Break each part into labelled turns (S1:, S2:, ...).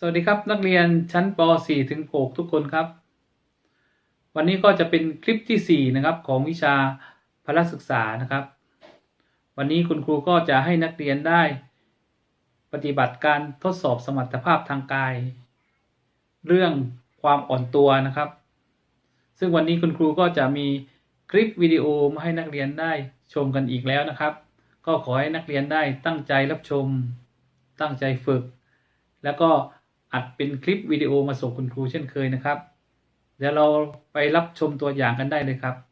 S1: วัสดีครับนักเรียนชั้นป .4 ถึง 6 ทุกคนครับ วันนี้ก็จะเป็นคลิปที่ 4 นะครับของวิชาพละศึกษานะครับ วันนี้คุณครูก็จะให้นักเรียนได้ปฏิบัติการทดสอบสมรรถภาพทางกาย เรื่องความอ่อนตัวนะครับ ซึ่งวันนี้คุณครูก็จะมีคลิปวิดีโอมาให้นักเรียนได้ชมกันอีกแล้วนะครับ ก็ขอให้นักเรียนได้ตั้งใจรับชมตั้งใจฝึกแล้วก็อัดเป็นคลิปวิดีโอมาส่งคุณครูเช่นเคยนะครับเดี๋ยวเราไปรับชมตัวอย่างกันได้เลยครับ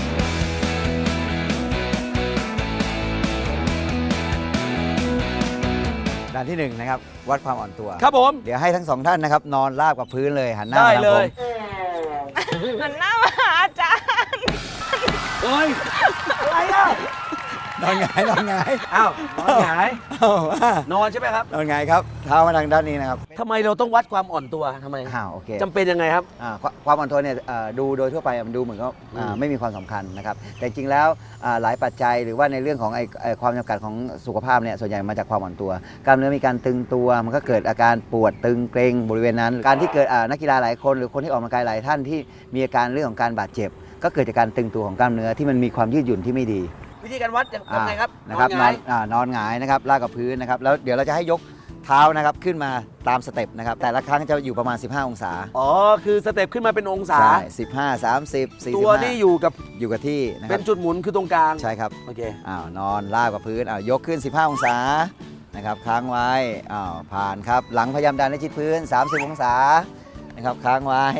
S2: ด้านที่1นะครับวัดความอ่อนตัว
S3: ครับผม
S2: เดี๋ยวให้ทั้งสองท่านนะครับนอนราบกับพื้นเลยหันหน้ามาทางผม
S4: หันหน้ามาหาอาจารย์
S3: เฮ้ยอะไรอ่ะ
S2: นอนหงายนอนหงาย
S3: อ้าวนอนหงายนอนใช่ไหมครับ
S2: นอนหงายครับเท้ามาทางด้านนี้นะครับ
S3: ทำไมเราต้องวัดความอ่อนตัวทำไม
S2: โอเค
S3: จำเป็นยังไงครับ
S2: ความอ่อนตัวเนี่ยดูโดยทั่วไปมันดูเหมือนก็ไม่มีความสำคัญนะครับแต่จริงแล้วหลายปัจจัยหรือว่าในเรื่องของความจำกัดของสุขภาพเนี่ยส่วนใหญ่มาจากความอ่อนตัวกล้ามเนื้อมีการตึงตัวมันก็เกิดอาการปวดตึงเกร็งบริเวณนั้นการที่เกิดนักกีฬาหลายคนหรือคนที่ออกกำลังกายหลายท่านที่มีอาการเรื่องของการบาดเจ็บก็เกิดจากการตึงตัวของกล้ามเนื้อที่มันมีความยืดหยุ่นที่ไม่ดี
S3: วิธีการวัดทำไงครับ
S2: นะครับนอนหงายนะครับลากกับพื้นนะครับแล้วเดี๋ยวเราจะให้ยกเท้านะครับขึ้นมาตามสเต็ปนะครับแต่ละครั้งจะอยู่ประมาณ15องศา
S3: อ๋อคือสเต็ปขึ้นมาเป็นองศา
S2: ใช่15 30 45
S3: ตัวนี่อยู่
S2: กับที่นะครับ
S3: เป็นจุดหมุนคือตรงกลาง
S2: ใช่ครับ
S3: โอเ
S2: คนอนลากกับพื้นยกขึ้น15องศานะครับค้างไว้ผ่านครับหลังพยายามดันให้ชิดพื้น30องศานะครับค้างไว้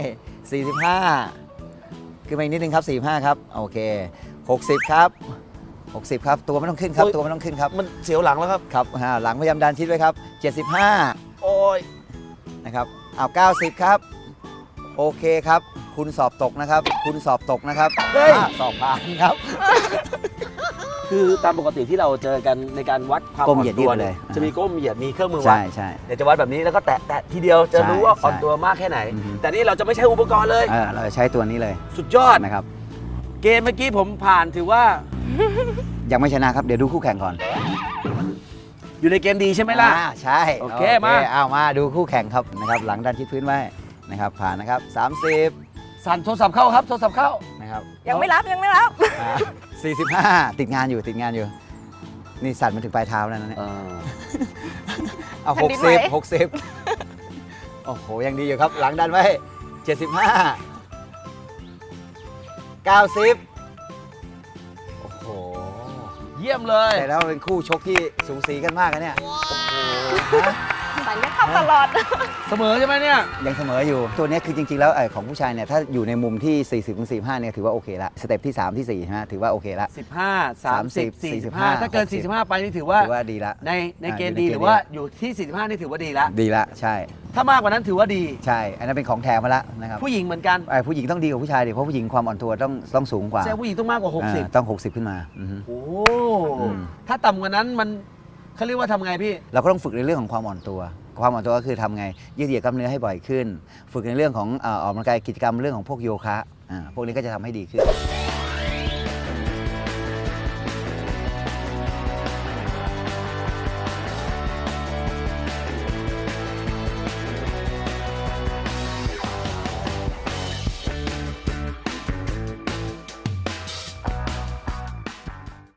S2: 45ขึ้นมาอีกนิดนึงครับ45ครับโอเค60ครับ60ครับตัวไม่ต้องขึ้นครับตัวไม่ต้องขึ้นครับ
S3: มันเสียวหลังแล้วครับ
S2: ครับหลังพยายามดันชิดไว้ครับ75
S3: โอ้ย
S2: นะครับ90ครับโอเคครับคุณสอบตกนะครับคุณสอบตกนะครับสอบผ่านครับ
S3: คือตามปกติที่เราเจอกันในการวัดความอ่อนตัว
S2: เลย
S3: จะมีก้มเหยียดมีเครื่องมือวัด
S2: ใช่
S3: เดี๋ยวจะวัดแบบนี้แล้วก็แตะทีเดียวจะรู้ว่าอ่อนตัวมากแค่ไหนแต่นี่เราจะไม่ใช้อุปกรณ์เลย
S2: เราใช้ตัวนี้เลย
S3: สุดยอด
S2: นะครับ
S3: เกมเมื่อกี้ผมผ่านถือว่า
S2: ยังไม่ชนะครับเดี๋ยวดูคู่แข่งก่อน
S3: อยู่ในเกมดีใช่ไหมล่ะ
S2: ใช่
S3: โอเคมา
S2: ดูคู่แข่งครับนะครับหลังดันชิดพื้นไว้นะครับผ่านนะครับ30
S3: สั่นโทรศัพท์เข้าครับโทรศัพท์เข้า
S2: นะครับ
S4: ยังไม่รับ
S2: 45ติดงานอยู่นี่สั่นมาถึงปลายเท้าแล้วนะเนี่ยเอา60โอ้โหยังดีอยู่ครับหลังดันไว้75 90โอ้โห
S3: เยี่ยมเลย
S2: แต่แล้วเป็นคู่ชกที่สูสีกันมากนะเนี่ย
S4: แต่เนี่ยเข้าตลอด
S3: เสมอใช่ไหมเนี่ย
S2: ยังเสมออยู่ตัวนี้คือจริงๆแล้วของผู้ชายเนี่ยถ้าอยู่ในมุมที่40-45เนี่ยถือว่าโอเคละสเต็ปที่3ที่4ใช่ไหมถือว่าโอเคละ
S3: 15 30 45ถ้าเกิน45ไปนี่ถือว่า
S2: ดีละ
S3: ในเกณฑ์ดีหรือว่าอยู่ที่45นี่ถือว่าดีละ
S2: ใช่
S3: ถ้ามากกว่านั้นถือว่าดี
S2: ใช่อันนั้นเป็นของแถมมาละนะครับ
S3: ผู้หญิงเหมือนกัน
S2: ผู้หญิงต้องดีกว่าผู้ชายดิเพราะผู้หญิงความอ่อนตัวต้องสูงกว่า
S3: ใช่ผู้หญิงต้องมากกว่า60
S2: ต้อง60ขึ้นมา
S3: โอ้ถ้าต่ำกว่านั้นมันเขาเรียกว่าทำไงพี่
S2: เราก็ต้องฝึกในเรื่องของความอ่อนตัวก็คือทำไงยืดเหยียดกล้ามเนื้อให้บ่อยขึ้นฝึกในเรื่องของออกกำลังกายกิจกรรมเรื่องของพวกโยคะพวกนี้ก็จะทำให้ดีขึ้น